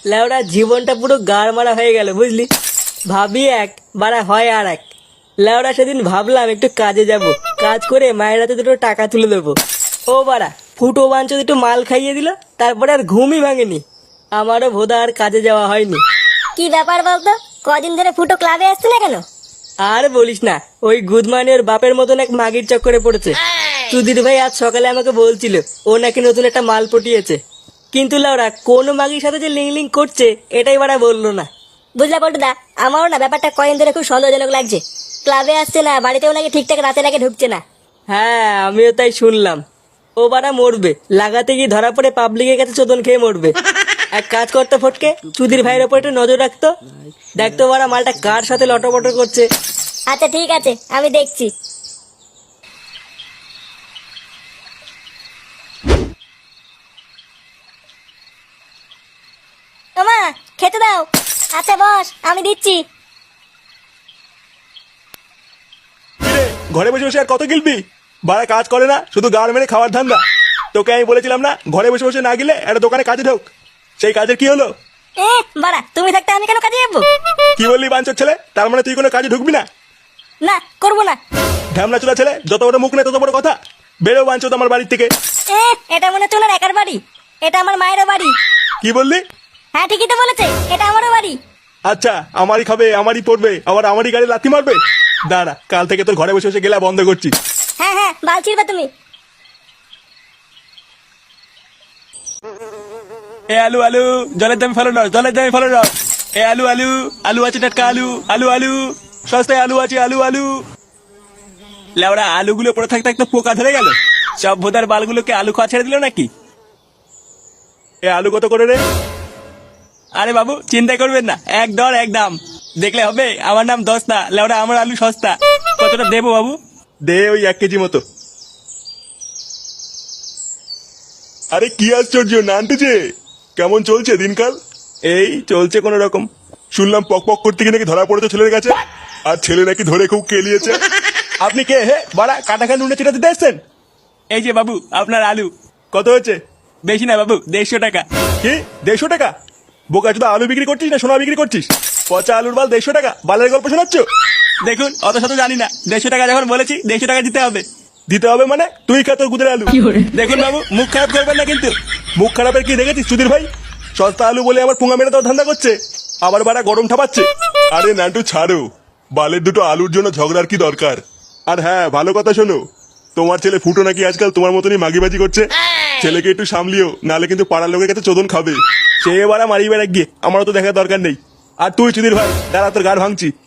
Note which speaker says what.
Speaker 1: লেওড়া জীবনটা পুরো গাড় মারা হয়ে গেল বুঝলি। ভাবি এক বাড়া হয় আর এক। লেওড়া সেদিন ভাবলাম একটু কাজে যাব, কাজ করে মায়ের হাতে দুটো টাকা তুলে দেবো। ও বাড়া ফুটো বাঞ্চদ একটু মাল খাইয়ে দিল, তারপরে আর ঘুমই ভাঙেনি। আমারও ভোদা আর কাজে যাওয়া হয়নি।
Speaker 2: কি ব্যাপার বলতো, কদিন ধরে ফুটো ক্লাবে আসছে না কেন?
Speaker 1: আর বলিস না, ওই গুদমানি ওর বাপের মতন এক মাগির চক্করে পড়েছে। সুধীর ভাই আজ সকালে আমাকে বলছিল ও নাকি নতুন একটা মাল পটিয়েছে, কিন্তু লাউরা কোন মাগির সাথে যে লিং লিং করছে এটাই বাড়া বললো না।
Speaker 2: বুঝলা পল্টুদা, আমারও না ব্যাপারটা কয়েন ধরে খুব সন্দেহজনক লাগছে। ক্লাবে আসছে না, বাড়িতেও নাকি ঠিকঠাক রাতে নাকি ঢুকছে না।
Speaker 1: হ্যাঁ আমিও তাই শুনলাম। ও বাড়া মরবে, লাগাতে গিয়ে ধরা পড়ে পাবলিকের কাছে চোদন খেয়ে মরবে। এক কাজ করতো ফটকে, সুধীর ভাইয়ের ওপর একটু নজর রাখতো, দেখতো বাড়া মালটা কার সাথে লটপট করছে।
Speaker 2: আচ্ছা ঠিক আছে, আমি দেখছি। তোমা খেতে দাও। আচ্ছা বস, আমি দিচ্ছি।
Speaker 3: কিরে, ঘরে বসে বসে আর কত গিলবি? বাড়া কাজ করে না, শুধু গাড় মেরে খাওয়ার ধান্দা। তোকে আমি বলেছিলাম না ঘরে বসে বসে না গেলে একটা দোকানে কাজে ঢোক। সেই কাজের কি হলো?
Speaker 2: বাড়া তুমি থাকতে আমি কেন কাজে যাবো?
Speaker 3: কি বললি বাঞ্চোর ছেলে? তার মানে তুই কোনো কাজে ঢুকবি না?
Speaker 2: না, করবো না।
Speaker 3: ঢ্যামনা চুলা ছেলে, যত বড় মুখ নেই তত বড় কথা। বেরো বাঞ্চোদ আমার বাড়ির থেকে।
Speaker 2: এটা মনে হচ্ছে ওনার একার বাড়ি, এটা আমার মায়েরও বাড়ি।
Speaker 3: কি বললি?
Speaker 2: হ্যাঁ ঠিকই তো বলেছে, এটা আমারও বাড়ি।
Speaker 3: আচ্ছা, আমারই খাবে, আমারই পড়বে, আবার আমারই গাড়ি লাথি মারবে? দাঁড়া, কাল থেকে তোর ঘরে বসে বসে গেলা বন্ধ করছি।
Speaker 2: হ্যাঁ হ্যাঁ, বাল ছিড়বে তুমি।
Speaker 3: এ আলু আলু, জলের দামে ফেলো না, জলের দামে ফেলো না। এ আলু আলু, আলু আছে টাটকা আলু, আলু আলু, সস্তায় আলু আছে, আলু আলু। লেওড়া আলুগুলো পড়ে থাকতে থাকতে পোকা ধরে গেল। সব ভোদার বালগুলোকে আলু খাওয়া ছেড়ে দিল নাকি? এ আলু কত করে রে? আরে বাবু চিন্তা করবেন না, এক দর এক দাম। দেখলে হবে, আমার নাম দস্তা, লেওড়া আমার আলু সস্তা। কতটা দেবো বাবু? দে ওই 1 কেজি মতো। আরে কি আশ্চর্য নানটুছে, কেমন চলছে দিনকাল? এই চলছে কোন রকম। শুনলাম পক পক করতে গিয়ে নাকি ধরা পড়েছে ছেলের কাছে, আর ছেলে নাকি ধরে খুব কেলিয়েছে। আপনি কে হে বাড়া, কাটাখা নুনে চিটা দিতে এসছেন? এই যে বাবু আপনার আলু। কত হয়েছে? বেশি না বাবু, 150 টাকা। কি 150 টাকা? বোকা চোদা, আলু বিক্রি করছিস না সোনা বিক্রি করছিস? পচা আলুর বাল 150 টাকা, বালের গল্প শোনাচ্ছ? দেখুন অত শত জানি না, 150 টাকা যখন বলেছি 150 টাকা দিতে হবে। দিতে হবে মানে? তুই খা তোর গুদের আলু। দেখুন বাবু মুখ খারাপ করবেন না কিন্তু। মুখ খারাপের কি দেখেছিস সুধীর ভাই? সস্তা আলু বলে আমার পুঙ্গা মেরে দেওয়ার ধান্দা করছে, আবার বাড়া গরম ঠাপাচ্ছে। আরে নান্টু ছাড়ো, বালের দুটো আলুর জন্য ঝগড়ার কি দরকার? আর হ্যাঁ ভালো কথা শোনো, তোমার ছেলে ফুটো নাকি আজকাল তোমার মতনই মাগিবাজি করছে। ছেলেকে একটু সামলিও, নালে কিন্তু পাড়ার লোকের কাছে চোদন খাবে। সে এবার মারি বেড়া গিয়ে আমারও তো দেখার দরকার নেই। আর তুই সুধীর ভাই দাঁড়া, তোর গাড় ভাঙছি।